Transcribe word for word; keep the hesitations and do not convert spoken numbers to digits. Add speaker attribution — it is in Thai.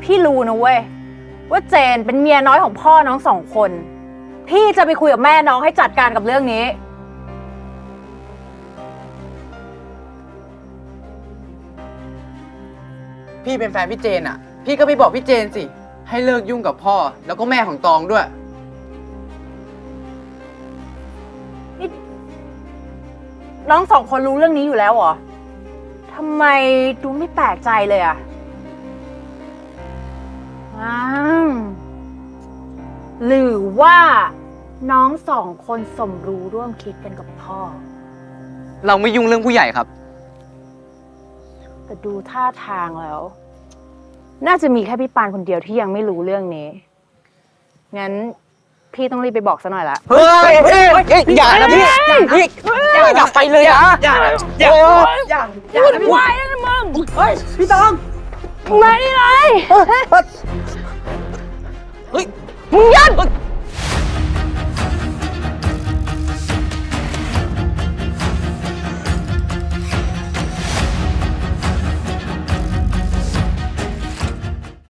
Speaker 1: พี่รู้นะเว้ยว่าเจนเป็นเมียน้อยของพ่อน้องสองคนพี่จะไปคุยกับแม่น้องให้จัดการกับเรื่องนี้
Speaker 2: พี่เป็นแฟนพี่เจนอ่ะพี่ก็ไปบอกพี่เจนสิให้เลิกยุ่งกับพ่อแล้วก็แม่ของตองด้วย
Speaker 1: น้องสองคนรู้เรื่องนี้อยู่แล้วเหรอทำไมดูไม่แปลกใจเลยอ่ะอ้าวหรือว่าน้องสองคนสมรู้ร่วมคิดกันกับพ่อ
Speaker 2: เราไม่ยุ่งเรื่องผู้ใหญ่ครับ
Speaker 1: แต่ดูท่าทางแล้ว น่าจะมีแค่พี่ปานคนเดียวที่ยังไม่รู้เรื่องนี้งั้นพี่ต้องรีบไปบอกซะหน่อยละ
Speaker 2: เฮ้ยอย่านะพี่พี่อย่าไปเลยอ่ะอย่าอย่าอย่าอย่าวุ่นวายนะมึงเฮ้ยพี่ตอง
Speaker 1: มาดิเลย
Speaker 2: เฮ้ย
Speaker 1: มึงยัน